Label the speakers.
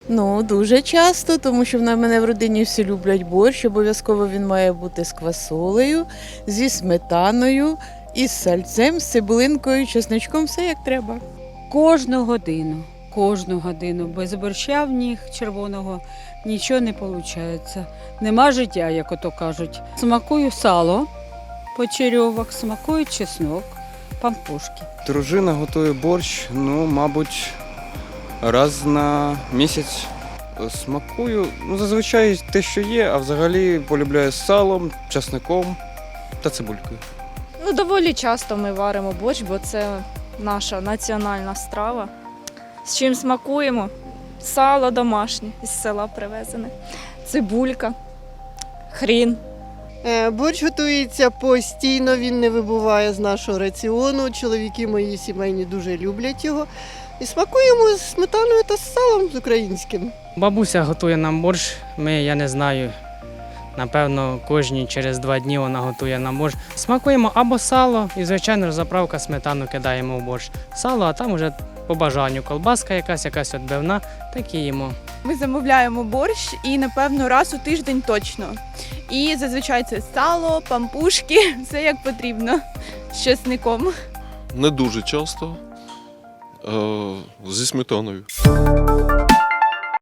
Speaker 1: Ну, дуже часто, тому що в мене в родині всі люблять борщ. Обов'язково він має бути з квасолею, зі сметаною, із сальцем, з цибулинкою, чесничком, все як треба.
Speaker 2: Кожну годину. Без борща в них червоного нічого не виходить. Нема життя, як ото кажуть. Смакую сало, почерьовок, смакую чеснок, пампушки.
Speaker 3: Дружина готує борщ, мабуть, раз на місяць. Смакую, зазвичай те, що є, а взагалі полюбляю з салом, часником та цибулькою.
Speaker 4: Доволі часто ми варимо борщ, бо це наша національна страва. З чим смакуємо? Сало домашнє, із села привезене, цибулька, хрін.
Speaker 5: Борщ готується постійно, він не вибуває з нашого раціону. Чоловіки мої сімейні дуже люблять його. І смакуємо з сметаною та з салом з українським.
Speaker 6: Бабуся готує нам борщ, я не знаю, напевно, кожні через 2 дні вона готує нам борщ. Смакуємо або сало, і, звичайно ж, заправка сметану кидаємо в борщ. Сало, а там вже по бажанню колбаска якась відбивна, так і їмо.
Speaker 7: Ми замовляємо борщ і, напевно, раз у тиждень точно. І зазвичай це сало, пампушки, все як потрібно, з чесником.
Speaker 8: Не дуже часто, зі сметаною.